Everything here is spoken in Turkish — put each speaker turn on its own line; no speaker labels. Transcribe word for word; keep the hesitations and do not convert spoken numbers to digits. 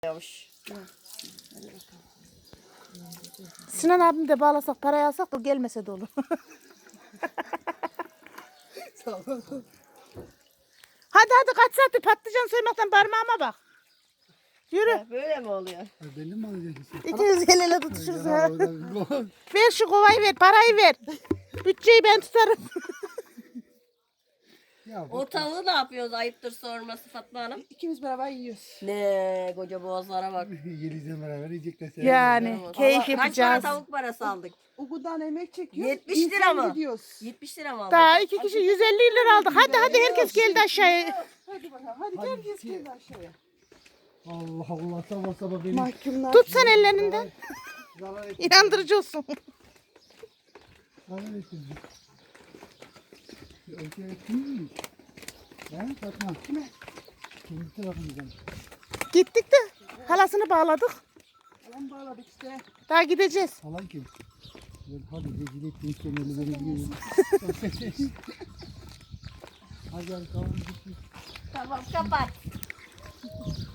Yavaş.
Sinan abim de bağlasak parayı alsak da gelmese de olur. Hadi hadi kaç saattir patlıcan soymaktan parmağıma bak. Yürü.
Ha, böyle mi oluyor?
Benim mi alacaksın?
İkimiz el ele tutuşuruz.
Ya,
ha.
o da- o-
Ver şu kovayı ver, parayı ver. Bütçeyi ben tutarım.
Ya
O tavuğu ne yapıyoruz? Ayıptır sorması Fatma Hanım.
İkimiz beraber yiyoruz.
Ne koca boğazlara bak.
Yeliz'le beraber yiyecekler. sen
Yani
Ama
keyif
kaç para
yapacağız.
tavuk parası aldık?
Ugu'dan emek çekiyoruz.
yetmiş lira mı?
Gidiyoruz.
yetmiş lira mı aldık?
Daha iki kişi yüz elli lira aldık. Hadi hadi herkes geldi aşağıya.
Hadi bakalım. Hadi,
Hadi
herkes
gel.
geldi aşağıya.
Allah Allah sabah sabah beni
Mahkumlar.
Tut sen ellerinden.
zarar et.
İnandırıcı olsun.
Zarar ettin. Öyle kim? He Fatma. Kime? Kim tarafımızdan?
Gittik de halasını bağladık.
Alan bağladık işte.
Daha gideceğiz.
Falan kim? Ben hadi rezil ettin sen elleri gidiyorum. Hadi hadi tamam git.
Tamam kapat.